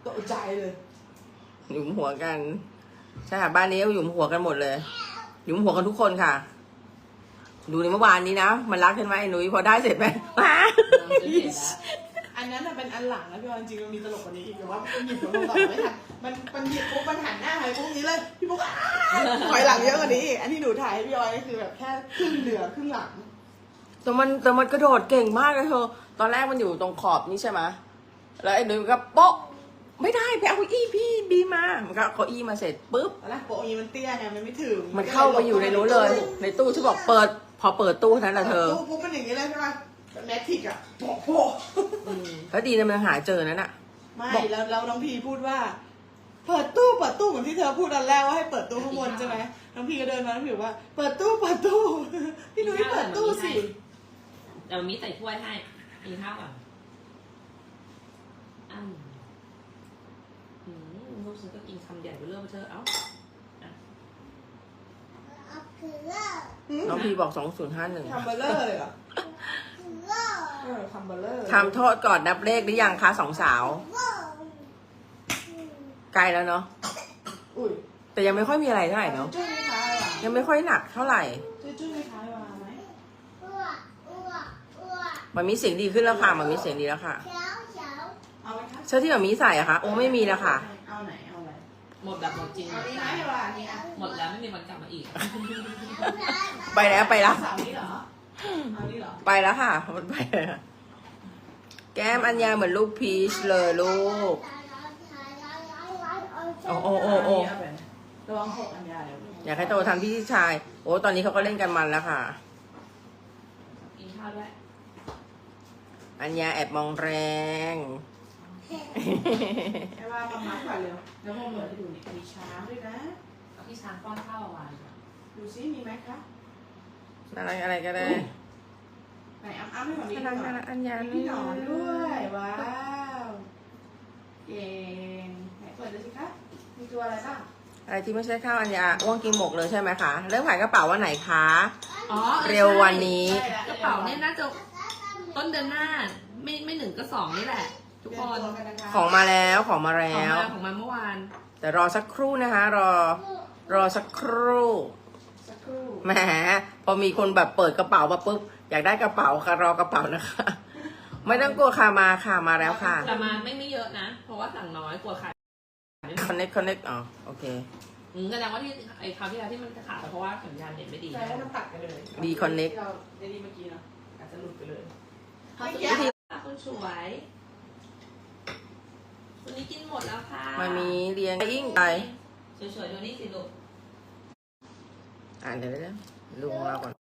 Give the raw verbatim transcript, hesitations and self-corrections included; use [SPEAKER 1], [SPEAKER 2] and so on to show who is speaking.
[SPEAKER 1] ตกใจเลย
[SPEAKER 2] หยุมหัวกันใช่ค่ะบ้านนี้หยุมหัวกันหมดเลยหยุมหัวกันทุกคนค่ะดูในเมื่อวานนี้นะมันรักกันไหมหนุ่ยพอได้เสร็จไหม
[SPEAKER 1] อันนั้นเป็นอันหลังนะพี่บอลจริงๆมันมีตลกกว่านี้อีกแต่ว่ามันหยิบลงต่อไม่ทันมันมันหยิบปุ๊บมันหันหน้าไปปุ๊บนี้เลยพี่ปุ๊กถอยหลังเยอะกว่านี้อีกอันที่หนูถ่ายให้พี่บอลคือแบบแค่ครึ่งเหนือครึ่งหลัง
[SPEAKER 2] แต่มันแต่มันกระโดดเก่งมากเลยเธอตอนแรกมันอยู่ตรงขอบนี้ใช่ไหมแล้วไอ้หนุ่ยก็โป๊ะไม่ได้ไปเอาอีพี่บีมามันก็เอาอีมาเสร็จปุ๊บ
[SPEAKER 1] ตอนแรกโปะอีมันเตี้ยไงมันไม่ถึง
[SPEAKER 2] มันเข้าไปอยู่ในนู้นเลยในตู้ที่บอกเปิดพอเปิดตู้นั้นแหละเธอ
[SPEAKER 1] ตู้ปุ๊บมันอย่างนี้เลยใช่ไหมแมทริกอะโปะโปะ
[SPEAKER 2] แล้วดีนะมันหาเจอนั่นอะ
[SPEAKER 1] ไม่แล้วแล้วน้องพีพูดว่าเปิดตู้เปิดตู้เหมือนที่เธอพูดตอนแรกว่าให้เปิดตู้ข้างบนใช่ไหมน้องพีก็เดินมาน้องพีบอกว่าเปิดตู้เปิดตู้พี่นุ้ยเปิดตู้สิ
[SPEAKER 3] เดี๋ยวมีใส่ถ้วยให้กินข้าวก่อนอ้าวอืมลูกฉันก็กินคำใหญ่ไปเรื่อยเธอเอ้า
[SPEAKER 2] น้องพีบอกสองศูนย์ห้าหนึ่ง
[SPEAKER 1] ทำเบลเลอร์เลยเหรอเออทำเบลเลอร์
[SPEAKER 2] ทำโทษก่อนนับเลขหรือยังคะสองสาวใกล้แล้วเนาะแต่ยังไม่ค่อยมีอะไรเท่าไหร่เนาะยังไม่ค่อยหนักเท่าไหร่
[SPEAKER 1] จุ้ยๆไม่คล้ายวาไหม
[SPEAKER 2] มันมีเสียงดีขึ้นแล้วค่ะมันมีเสียงดีแล้วค่ะ
[SPEAKER 1] เอาไหมคะ
[SPEAKER 2] เสื้อที่มันมีใส่อะคะโอ้ไม่มีแล้วค่ะ
[SPEAKER 1] เอาไหนเอาอะไร
[SPEAKER 3] หมดแบบหมดจริง
[SPEAKER 1] เอานี้ไหมวะนี่อ่ะ
[SPEAKER 3] หมดแล้วไม่มีวันกลับมาอีก
[SPEAKER 2] ไปแล้วไปแล้ว
[SPEAKER 1] สาวนี้เหรอเอานี่เหรอ
[SPEAKER 2] ไปแล้วค่ะมันไปแล้วแก้มอัญญาเหมือนลูกพีชเลยลูกโอ้โอ้โอ้โอ้
[SPEAKER 1] ระวังหกอันยาเดี๋ยว
[SPEAKER 2] อยากให้โตทำพี่ชายโอ้ตอนนี้เขาก็เล่นกันมันแล้วค่ะ
[SPEAKER 3] กินข้าวด้วย
[SPEAKER 2] อัญญาแอบมองแรง
[SPEAKER 1] แค่ว่ามามัดก่อนเร็วแล้วพอเหมือนให้ดูนี่มีช้างด้วยนะ
[SPEAKER 3] เอาพี่ช้างป้อนข้าวเอาไว้
[SPEAKER 1] ดูซิมีไหมคะ
[SPEAKER 2] อะไรอะไรก็ได้
[SPEAKER 1] ไหนอ้ำอ้ำให้ผมนี่
[SPEAKER 2] น่ารักน่ารักอัญญา
[SPEAKER 1] พี่หนอนด้วยว้าวเก่งไหนเปิดดูสิคะมีตัวอะไรบ้าง
[SPEAKER 2] อะไรที่ไม่ใช่ข้าวอัญญาอ้วงกินหมกเลยใช่ไหมคะเริ่มขายกระเป๋าวันไหนคะ
[SPEAKER 3] อ๋อ
[SPEAKER 2] เร็ววันนี้
[SPEAKER 3] กระเป๋าเนี่ยน่าจะต้นเดือนหน้าไม่ไม่หนึ่งก็สองนี่แหละทุกคน
[SPEAKER 2] ของมาแล้วของมาแล้
[SPEAKER 3] วของมาเมื่อวาน
[SPEAKER 2] แต่รอสักครู่นะคะรอรอสักครู่แหมพอมีคนแบบเปิดกระเป๋ามาปุ๊บอยากได้กระเป๋าค่ะรอกระเป๋านะคะไม่ต้องกลัวค่ะมาค่ะมาแล้วค่ะ
[SPEAKER 3] แต่มาไม่ไม่เยอะนะเพราะว่าสั่งน้อยกลัวขาย
[SPEAKER 2] คอนเน็กคอนเน็กอ๋อโอเค
[SPEAKER 3] อืมแสดงว่าที่ไอ้คราวที่แล้วที่มันขาดเพราะว่าสัญญาณเน็ตไม่ดี
[SPEAKER 1] แสดงว่ามันตัดกันเลย
[SPEAKER 2] ดีคอนเน็ก
[SPEAKER 1] เราได้ดีเมื่อกี้เนาะอาจจะหลุดไปเลย
[SPEAKER 3] เขาสุดที่คนสวยวันนี้กินหมดแล้วค่ะ
[SPEAKER 2] มามีเรียงอิ่งไป
[SPEAKER 3] สวยๆดูนี่สิลูก
[SPEAKER 2] อ่านเดี๋ยวเดี๋ยวลุงเราก่อน